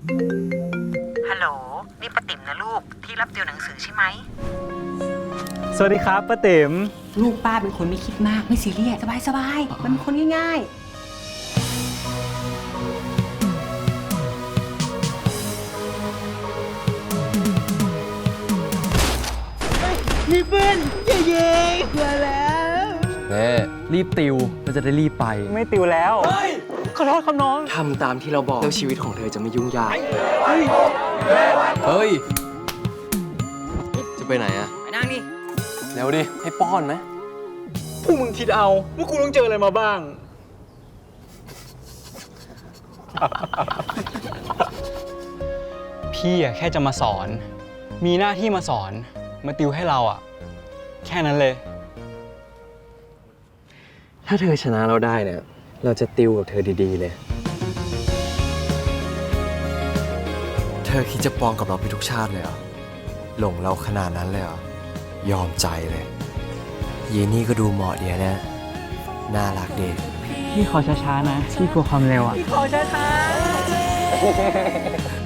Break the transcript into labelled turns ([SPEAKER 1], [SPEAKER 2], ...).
[SPEAKER 1] ฮัลโหลนี่ป้าติ๋มนะลูกที่รับติวหนังสือใช่ไหม
[SPEAKER 2] สวัสดีครับป้าติ๋ม
[SPEAKER 3] ลูกป้าเป็นคนไม่คิดมากไม่ซีเรียสสบายมันเป็นคนง่าย
[SPEAKER 2] มีปืนเย้มาแล้ว
[SPEAKER 4] เน่รีบติวเราจะได้รีบไป
[SPEAKER 2] ไม่ติวแล้วขอโทษครับน้อง
[SPEAKER 4] ทำตามที่เราบอกแล้วชีวิตของเธอจะไม่ยุ่งยากเฮ้ย จะไปไหนอะ
[SPEAKER 3] ไปนั่งดิ
[SPEAKER 4] เร็วดิ ให้ป้อนไหม
[SPEAKER 2] พวกมึงคิดเอาว่ากูต้องเจออะไรมาบ้าง พี่อะแค่จะมาสอน มีหน้าที่มาสอน มาติวให้เราอะแค่นั้นเลย
[SPEAKER 4] ถ้าเธอชนะเราได้เนี่ย เราจะติวกับเธอดีๆเลย
[SPEAKER 5] เธอคิดจะปองกับเราไปทุกชาติเลยเหรอ หลงเราขนาดนั้นเลยเหรอ ยอมใจเลย เยนี่ก็ดูเหมาะเดียนะน่ารักดี
[SPEAKER 2] พี่ขอช้าๆนะ พี่กลัวความเร็วอะ
[SPEAKER 3] ขอช้าๆ